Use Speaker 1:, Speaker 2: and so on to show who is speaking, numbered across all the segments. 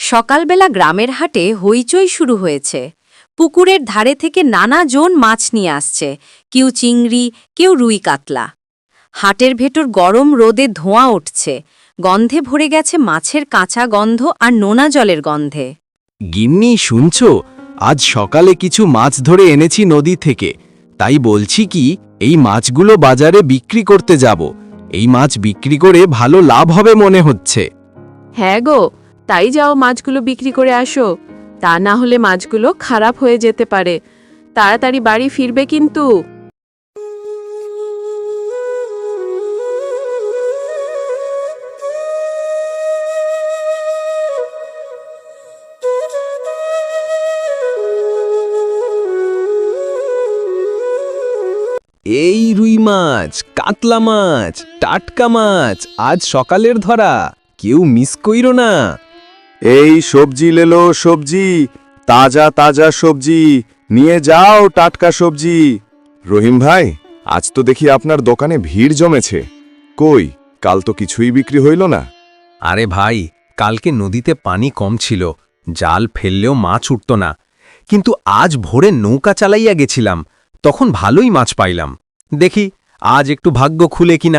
Speaker 1: সকালবেলা গ্রামের হাটে হইচই শুরু হয়েছে। পুকুরের ধারে থেকে নানা জন মাছ নিয়ে আসছে, কেউ চিংড়ি, কেউ রুই কাতলা। হাটের ভেতর গরম রোদে ধোঁয়া উঠছে, গন্ধে ভরে গেছে মাছের কাঁচা গন্ধ আর নোনা জলের গন্ধে।
Speaker 2: গিন্নি, শুনছ? আজ সকালে কিছু মাছ ধরে এনেছি নদী থেকে। তাই বলছি কি, এই মাছগুলো বাজারে বিক্রি করতে যাব। এই মাছ বিক্রি করে ভালো লাভ হবে মনে হচ্ছে।
Speaker 3: হ্যাঁ গো, তাই যাও, মাছগুলো বিক্রি করে আসো। তা না হলে মাছগুলো খারাপ হয়ে যেতে পারে। তাড়াতাড়ি বাড়ি ফিরবে কিন্তু।
Speaker 2: এই রুই মাছ, কাতলা মাছ, টাটকা মাছ, আজ সকালের ধরা, কেউ মিস কইরো না।
Speaker 4: এই সবজি লেলো, সবজি, তাজা তাজা সবজি নিয়ে যাও, টাটকা সবজি। রহিম ভাই, আজ তো দেখি আপনার দোকানে ভিড় জমেছে। কই, কাল তো কিছুই বিক্রি হইল না।
Speaker 2: আরে ভাই, কালকে নদীতে পানি কম ছিল, জাল ফেললেও মাছ উঠত না। কিন্তু আজ ভোরে নৌকা চালাইয়া গেছিলাম, তখন ভালোই মাছ পাইলাম। দেখি আজ একটু ভাগ্য খুলে কিনা।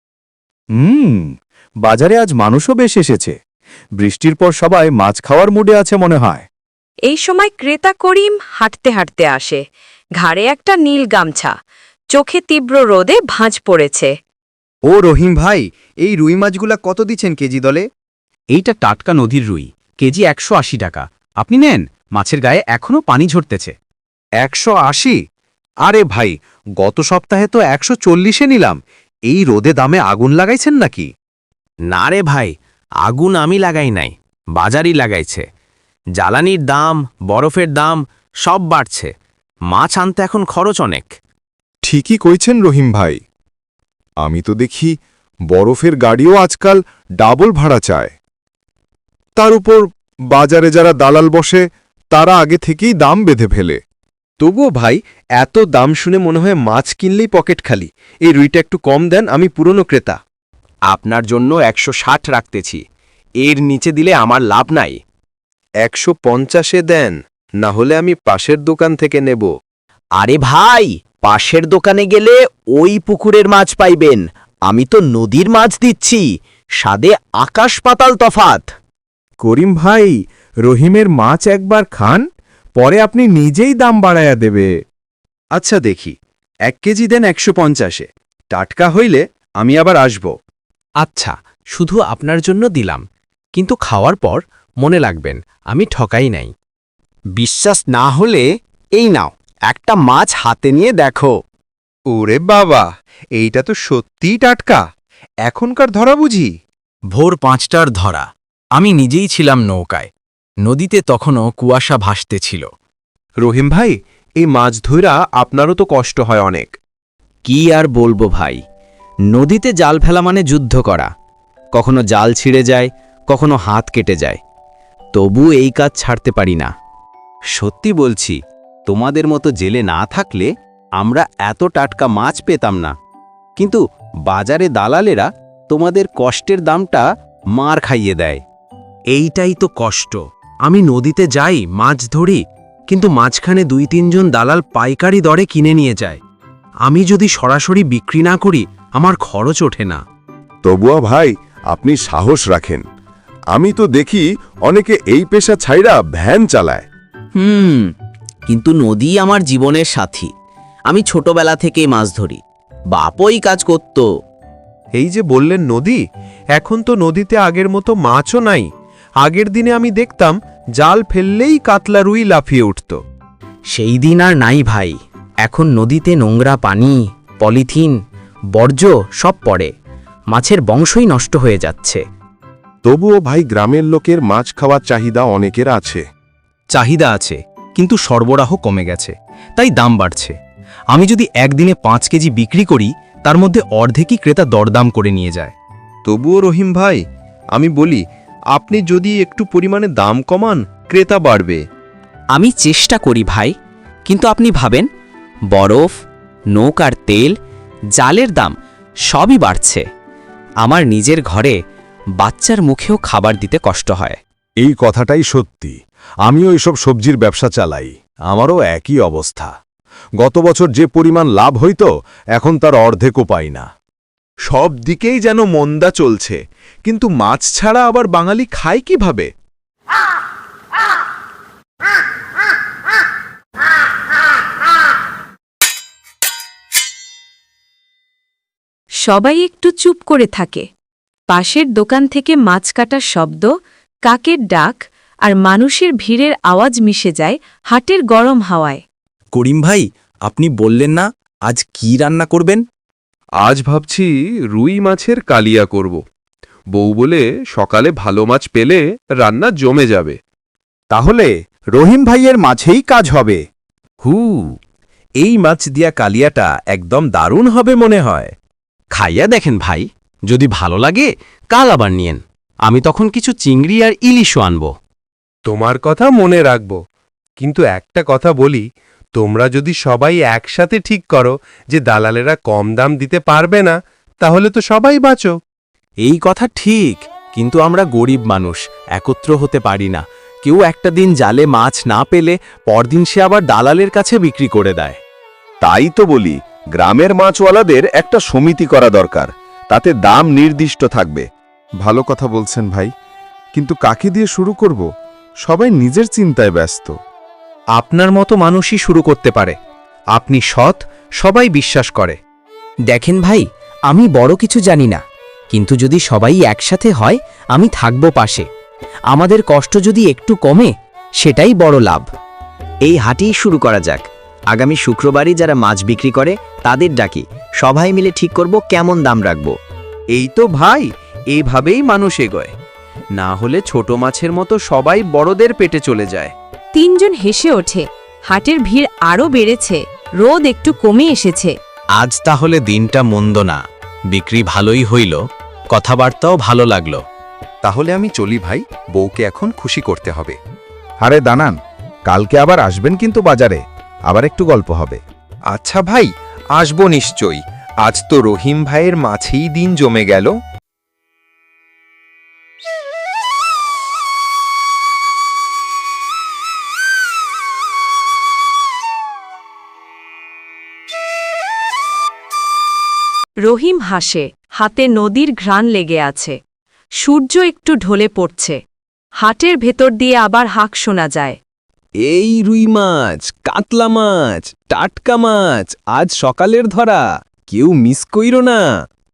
Speaker 4: বাজারে আজ মানুষও বেশ এসেছে। বৃষ্টির পর সবাই মাছ খাওয়ার মুডে আছে মনে হয়।
Speaker 1: এই সময় ক্রেতা করিম হাঁটতে হাঁটতে আসে, ঘাড়ে একটা নীল গামছা, চোখে তীব্র রোদে ভাঁজ পড়েছে।
Speaker 5: ও রহিম ভাই, এই রুই মাছগুলা কত দিচ্ছেন কেজি দলে?
Speaker 2: এইটা টাটকা নদীর রুই, কেজি 180 টাকা। আপনি নেন, মাছের গায়ে এখনো পানি ঝরতেছে।
Speaker 5: 180? আরে ভাই, গত সপ্তাহে তো 140-এ নিলাম। এই রোদে দামে আগুন লাগাইছেন নাকি?
Speaker 2: না রে ভাই, আগুন আমি লাগাই নাই, বাজারই লাগাইছে। জ্বালানির দাম, বরফের দাম সব বাড়ছে। মাছ আনতে এখন খরচ অনেক।
Speaker 4: ঠিকই কইছেন রহিম ভাই। আমি তো দেখি বরফের গাড়িও আজকাল ডাবল ভাড়া চায়। তার উপর বাজারে যারা দালাল বসে, তারা আগে থেকেই দাম বেঁধে ফেলে।
Speaker 5: তবুও ভাই, এত দাম শুনে মনে হয় মাছ কিনলেই পকেট খালি। এই রুইটা একটু কম দেন, আমি পুরনো ক্রেতা।
Speaker 2: আপনার জন্য 160 রাখতেছি, এর নিচে দিলে আমার লাভ নাই।
Speaker 5: 150-এ দেন, না হলে আমি পাশের দোকান থেকে নেব।
Speaker 6: আরে ভাই, পাশের দোকানে গেলে ওই পুকুরের মাছ পাইবেন, আমি তো নদীর মাছ দিচ্ছি। স্বাদে আকাশ পাতাল তফাত।
Speaker 4: করিম ভাই, রহিমের মাছ একবার খান, পরে আপনি নিজেই দাম বাড়ায়া দেবে।
Speaker 5: আচ্ছা দেখি, 1 কেজি দেন 150-এ। টাটকা হইলে আমি আবার আসব।
Speaker 2: আচ্ছা, শুধু আপনার জন্য দিলাম, কিন্তু খাওয়ার পর মনে রাখবেন আমি ঠকাই নাই।
Speaker 6: বিশ্বাস না হলে এই নাও, একটা মাছ হাতে নিয়ে দেখো।
Speaker 5: ওরে বাবা, এইটা তো সত্যিই টাটকা। এখনকার ধরা বুঝি?
Speaker 2: ভোর 5টার ধরা। আমি নিজেই ছিলাম নৌকায়, নদীতে তখনও কুয়াশা ভাসতেছিল।
Speaker 5: রহিম ভাই, এই মাছ ধইরা আপনারও তো কষ্ট হয় অনেক।
Speaker 6: কি আর বলবো ভাই, নদীতে জাল ফেলা মানে যুদ্ধ করা। কখনো জাল ছিঁড়ে যায়, কখনো হাত কেটে যায়, তবু এই কাজ ছাড়তে পারি না। সত্যি বলছি, তোমাদের মতো জেলে না থাকলে আমরা এত টাটকা মাছ পেতাম না। কিন্তু বাজারে দালালেরা তোমাদের কষ্টের দামটা মার খাইয়ে দেয়।
Speaker 2: এইটাই তো কষ্ট। আমি নদীতে যাই, মাছ ধরি, কিন্তু মাঝখানে 2-3 জন দালাল পাইকারি দরে কিনে নিয়ে যায়। আমি যদি সরাসরি বিক্রি না করি, আমার খরচ ওঠে না।
Speaker 4: তবুও ভাই, আপনি সাহস রাখেন। আমি তো দেখি অনেকে এই পেশা ছাইড়া ভ্যান চালায়।
Speaker 6: কিন্তু নদী আমার জীবনের সাথী। আমি ছোটবেলা থেকেই মাছ ধরি, বাপই কাজ করত।
Speaker 5: এই যে বললেন নদী, এখন তো নদীতে আগের মতো মাছও নাই। আগের দিনে আমি দেখতাম জাল ফেললেই কাতলা রুই লাফিয়ে উঠত।
Speaker 6: সেই দিন আর নাই ভাই। এখন নদীতে নোংরা পানি, পলিথিন, বর্জ্য সব পড়ে। মাছের বংশই নষ্ট হয়ে যাচ্ছে।
Speaker 4: তবুও ভাই, গ্রামের লোকের মাছ খাওয়ার চাহিদা অনেকের আছে।
Speaker 2: চাহিদা আছে, কিন্তু সরবরাহ কমে গেছে, তাই দাম বাড়ছে। আমি যদি একদিনে 5 কেজি বিক্রি করি, তার মধ্যে অর্ধেকই ক্রেতা দরদাম করে নিয়ে যায়।
Speaker 5: তবুও রহিম ভাই, আমি বলি, আপনি যদি একটু পরিমাণে দাম কমান, ক্রেতা বাড়বে।
Speaker 6: আমি চেষ্টা করি ভাই, কিন্তু আপনি ভাবেন, বরফ, নৌকার তেল, জালের দাম সবই বাড়ছে। আমার নিজের ঘরে বাচ্চার মুখেও খাবার দিতে কষ্ট হয়।
Speaker 4: এই কথাটাই সত্যি। আমিও এসব সবজির ব্যবসা চালাই, আমারও একই অবস্থা। গত বছর যে পরিমাণ লাভ হইত, এখন তার অর্ধেকও পাই না।
Speaker 5: সব দিকেই যেন মন্দা চলছে, কিন্তু মাছ ছাড়া আবার বাঙালি খায় কিভাবে?
Speaker 1: সবাই একটু চুপ করে থাকে। পাশের দোকান থেকে মাছ কাটার শব্দ, কাকের ডাক আর মানুষের ভিড়ের আওয়াজ মিশে যায় হাটের গরম হাওয়ায়।
Speaker 6: করিম ভাই, আপনি বললেন না আজ কি রান্না করবেন?
Speaker 7: আজ ভাবছি রুই মাছের কালিয়া করব। বউ বলে সকালে ভালো মাছ পেলে রান্না জমে যাবে।
Speaker 2: তাহলে রহিম ভাইয়ের মাছেই কাজ হবে।
Speaker 5: হু, এই মাছ দিয়া কালিয়াটা একদম দারুণ হবে মনে হয়।
Speaker 2: খাইয়া দেখেন ভাই, যদি ভালো লাগে কাল আবার নিয়েন। আমি তখন কিছু চিংড়ি আর ইলিশও আনব।
Speaker 7: তোমার কথা মনে রাখব, কিন্তু একটা কথা বলি, তোমরা যদি সবাই একসাথে ঠিক করো যে দালালেরা কম দাম দিতে পারবে না, তাহলে তো সবাই বাঁচো।
Speaker 2: এই কথা ঠিক, কিন্তু আমরা গরিব মানুষ, একত্র হতে পারি না। কেউ একটা দিন জালে মাছ না পেলে পরদিন সে আবার দালালের কাছে বিক্রি করে দেয়।
Speaker 4: তাই তো বলি, গ্রামের মাছওয়ালাদের একটা সমিতি করা দরকার, তাতে দাম নির্দিষ্ট থাকবে।
Speaker 8: ভালো কথা বলছেন ভাই, কিন্তু কাকে দিয়ে শুরু করব? সবাই নিজের চিন্তায় ব্যস্ত।
Speaker 5: আপনার মতো মানুষই শুরু করতে পারে। আপনি সৎ, সবাই বিশ্বাস করে।
Speaker 6: দেখেন ভাই, আমি বড় কিছু জানি না, কিন্তু যদি সবাই একসাথে হয় আমি থাকব পাশে। আমাদের কষ্ট যদি একটু কমে, সেটাই বড় লাভ। এই হাটেই শুরু করা যাক। আগামী শুক্রবারই যারা মাছ বিক্রি করে তাদের ডাকি, সবাই মিলে ঠিক করব কেমন দাম রাখব।
Speaker 5: এই তো ভাই, এইভাবেই মানুষ এগোয়। না হলে ছোট মাছের মতো সবাই বড়দের পেটে চলে যায়।
Speaker 1: তিনজন হেসে ওঠে। হাটের ভিড় আরও বেড়েছে, রোদ একটু কমে এসেছে।
Speaker 2: আজ তাহলে দিনটা মন্দ না, বিক্রি ভালোই হইল, কথাবার্তাও ভালো লাগলো।
Speaker 5: তাহলে আমি চলি ভাই, বউকে এখন খুশি করতে হবে।
Speaker 8: আরে দানান, কালকে আবার আসবেন কিন্তু বাজারে, আবার একটু গল্প হবে।
Speaker 5: আচ্ছা ভাই, আসবো নিশ্চয়ই। আজ তো রহিম ভাইয়ের মাছেই দিন জমে গেল।
Speaker 1: রহিম হাসে, হাতে নদীর ঘ্রাণ লেগে আছে। সূর্য একটু ঢলে পড়ছে। হাটের ভেতর দিয়ে আবার হাঁক শোনা যায়।
Speaker 5: এই রুই মাছ, কাতলা মাছ, টাটকা মাছ, আজ সকালের ধরা, কেউ মিস কইরো না।